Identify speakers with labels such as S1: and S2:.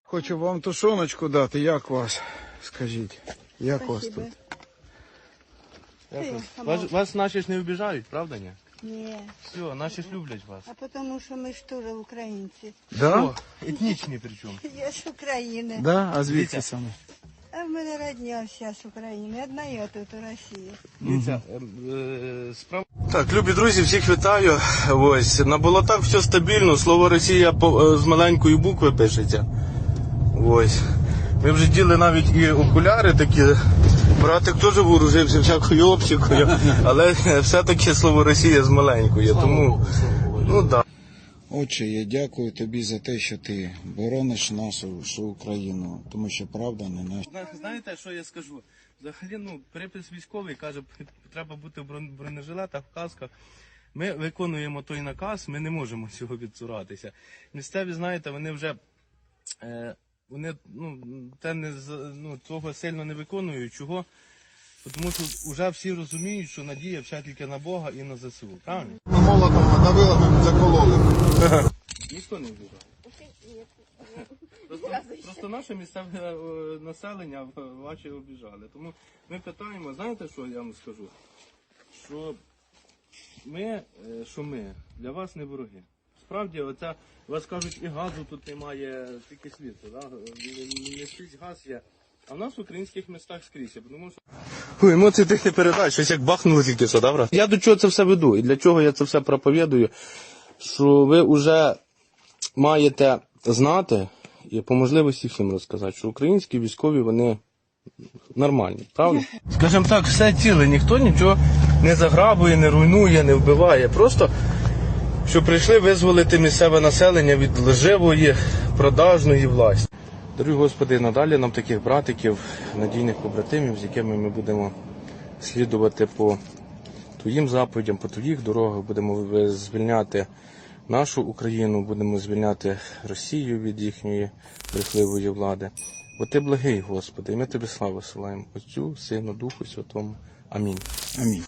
S1: Хочу вам тушоночку дати. Як вас? Скажіть, як вас тут?
S2: Вас наші ж не обіжають, правда ні?
S3: Ні.
S2: Все, наші ж люблять вас.
S3: А тому що ми ж теж українці.
S1: Да?
S2: О, етнічні причому.
S3: Я з України.
S1: Да? А звідки саме?
S3: А в мене родня вся з України. Одна я тут у Росії.
S2: Дивіться, справа...
S4: Так, любі друзі, всіх вітаю. Ось, на болотах все стабільно, слово Росія з маленької букви пишеться. Ось. Ми вже діли навіть і окуляри такі. Братик теж вооружився всякою оптикою, але все-таки слово Росія з маленької, тому, ну так. Да.
S1: Отче, я дякую тобі за те, що ти борониш нашу Україну, тому що правда не наша.
S2: Знаєте, що я скажу? Взагалі, припис військовий каже, треба бути в бронежилетах, в касках. Ми виконуємо той наказ, ми не можемо цього відцуратися. Місцеві, знаєте, вони вже... Вони того сильно не виконують. Чого? Тому що вже всі розуміють, що надія вся тільки на Бога і на ЗСУ. Правильно?
S5: Молотом надавила, ми закололи.
S2: Ніхто не вбігав. Просто наше місцеве населення ваші обіжали. Тому ми питаємо, знаєте, що я вам скажу? Що ми для вас не вороги. Справді, оця, вас кажуть, і газу тут немає, тільки світло, да? Не скрізь газ є. А в нас в українських містах скрізь, тому що...
S4: Ой, емоції тих не передач, щось як бахнуло тільки що, да, брат?
S2: Я до чого це все веду, і для чого я це все проповідую, що ви вже маєте знати, і по можливості всім розказати, що українські військові, вони нормальні, правда? Скажімо так, все ціле, ніхто нічого не заграбує, не руйнує, не вбиває, просто... що прийшли визволити місцеве населення від лживої, продажної власті. Дорогі Господи, надалі нам таких братиків, надійних побратимів, з якими ми будемо слідувати по Твоїм заповідям, по Твоїх дорогах, будемо звільняти нашу Україну, будемо звільняти Росію від їхньої брехливої влади. Бо Ти благий, Господи, і ми Тобі славу силаємо, Отцю, Сину, Духу Святому. Амінь.
S1: Амінь.